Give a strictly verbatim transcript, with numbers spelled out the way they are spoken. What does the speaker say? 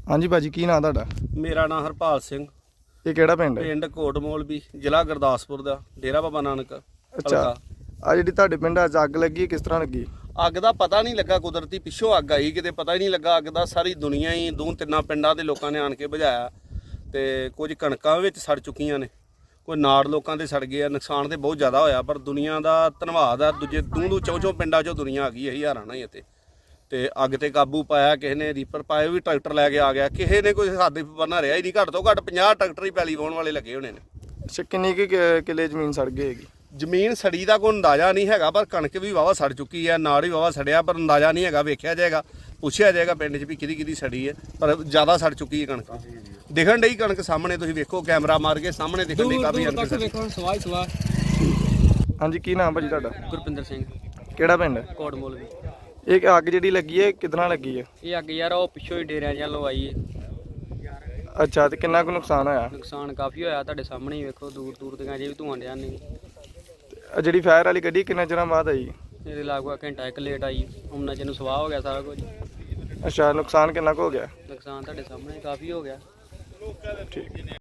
हाँ जी भाजी, की नाम तुहाडा? मेरा नाम हरपाल सिंह। ये किहड़ा पिंड है? पिंड कोटमोलवी, जिला गुरदासपुर दा, डेरा बाबा नानक। अच्छा, आ जिहड़ी तुहाडे पिंड अज अग लगी किस तरह लगी? ਅੱਗ ਦਾ ਪਤਾ ਨਹੀਂ ਲੱਗਾ, ਕੁਦਰਤੀ ਪਿੱਛੋਂ ਅੱਗ ਆਈ, ਕਿਤੇ ਪਤਾ ਹੀ ਨਹੀਂ ਲੱਗਾ ਅੱਗ ਦਾ। ਸਾਰੀ ਦੁਨੀਆ ਹੀ ਦੋ ਤਿੰਨਾਂ ਪਿੰਡਾਂ ਦੇ ਲੋਕਾਂ ਨੇ ਆਣ ਕੇ ਬੁਝਾਇਆ ਤੇ ਕੁਝ ਕਣਕਾਂ ਵਿੱਚ ਸੜ ਚੁੱਕੀਆਂ ਨੇ, ਕੋਈ ਨਾੜ ਲੋਕਾਂ ਦੇ ਸੜ ਗਏ ਆ। ਨੁਕਸਾਨ ਤੇ ਬਹੁਤ ਜ਼ਿਆਦਾ ਹੋਇਆ, ਪਰ ਦੁਨੀਆ ਦਾ ਧੰਨਵਾਦ ਆ, ਦੂਜੇ ਦੂੰ ਦੂ ਚੌਂ ਚੌਂ ਪਿੰਡਾਂ 'ਚੋਂ ਦੁਨੀਆ ਆ ਗਈ ਹੈ, ਹਜ਼ਾਰਾਂ ਨਾਲ ਹੀ ਇੱਥੇ। ਤੇ ਅੱਗ ਤੇ ਕਾਬੂ ਪਾਇਆ, ਕਿਸੇ ਨੇ ਰੀਪਰ ਪਾਏ, ਵੀ ਟਰੈਕਟਰ ਲੈ ਕੇ ਆ ਗਿਆ, ਕਿਸੇ ਨੇ ਕੋਈ ਹੱਦ ਬੰਨਾ ਰਿਹਾ ਹੀ ਨਹੀਂ। ਘੱਟ ਤੋਂ ਘੱਟ ਪੰਜਾਹ ਟਰੈਕਟਰ ਹੀ ਪੈਲੀ ਵਾਹੁਣ ਵਾਲੇ ਲੱਗੇ ਹੋਣੇ ਨੇ। ਅੱਛਾ, ਕਿੰਨੀ ਕੁ ਕਿ- ਕਿੱਲੇ ਜ਼ਮੀਨ ਸੜ ਗਈ ਹੈਗੀ? ਜ਼ਮੀਨ ਸੜੀ ਦਾ ਕੋਈ ਅੰਦਾਜ਼ਾ ਨਹੀਂ ਹੈਗਾ, ਪਰ ਕਣਕ ਵੀ ਵਾਵਾ ਸੜ ਚੁੱਕੀ ਹੈ, ਨਾੜ ਵੀ ਵਾਵਾ ਸੜਿਆ, ਪਰ ਅੰਦਾਜ਼ਾ ਨਹੀਂ ਹੈਗਾ। ਵੇਖਿਆ ਜਾਏਗਾ, ਪੁੱਛਿਆ ਜਾਏਗਾ ਪਿੰਡ 'ਚ ਵੀ ਕਿਹਦੀ ਕਿਹਦੀ ਸੜੀ ਹੈ, ਪਰ ਜ਼ਿਆਦਾ ਸੜ ਚੁੱਕੀ ਹੈ ਕਣਕ। ਦਿਖਣ ਡਈ ਕਣਕ ਸਾਹਮਣੇ, ਤੁਸੀਂ ਵੇਖੋ ਕੈਮਰਾ ਮਾਰ ਕੇ ਸਾਹਮਣੇ ਦਿਖਣ ਡਈ ਕਾਫੀ ਕਣਕ ਸੜੀ। ਸਵਾਈ ਸਵਾ ਹਾਂਜੀ, ਕੀ ਨਾਮ ਭਾਜੀ ਤੁਹਾਡਾ? ਗੁਰਪਿੰਦਰ ਸਿੰਘ, ਕਿਹੜਾ ਪਿੰਡ ਹੈ? ਕੋਟਮੋਲਵੀ। ਇਹ ਅੱਗ ਜਿਹੜੀ ਲੱਗੀ ਹੈ ਕਿਦਾਂ ਲੱਗੀ ਹੈ? ਇਹ ਅੱਗ ਯਾਰ ਉਹ ਪਿੱਛੋਂ ਹੀ ਡੇਰਿਆਂ ਜਾਂ ਲਵਾਈ ਹੈ। ਅੱਛਾ, ਤੇ ਕਿੰਨਾ ਕੁ ਨੁਕਸਾਨ ਹੋਇਆ? ਨੁਕਸਾਨ ਕਾਫੀ ਹੋਇਆ, ਤੁਹਾਡੇ ਸਾਹਮਣੇ ਹੀ ਵੇਖੋ, ਦੂਰ ਦੂਰ ਤੱਕ ਅਜੇ ਵੀ ਧੂਆਂ ਡਿਆ ਨਹੀਂ। ਆ ਜਿਹੜੀ ਫਾਇਰ ਵਾਲੀ ਗੱਡੀ ਕਿੰਨੇ ਚਿਰਾਂ ਬਾਅਦ ਆਈ? ਇਹਦੇ ਲਾਗੂ ਘੰਟਾ ਇੱਕ ਲੇਟ ਆਈ, ਉਹਨਾਂ ਚ ਨੂੰ ਸਵਾਹ ਹੋ ਗਿਆ ਸਾਰਾ ਕੁਝ। ਅੱਛਾ, ਨੁਕਸਾਨ ਕਿੰਨਾ ਕੁ ਹੋ ਗਿਆ? ਨੁਕਸਾਨ ਤੁਹਾਡੇ ਸਾਹਮਣੇ ਕਾਫੀ ਹੋ ਗਿਆ। ਠੀਕ।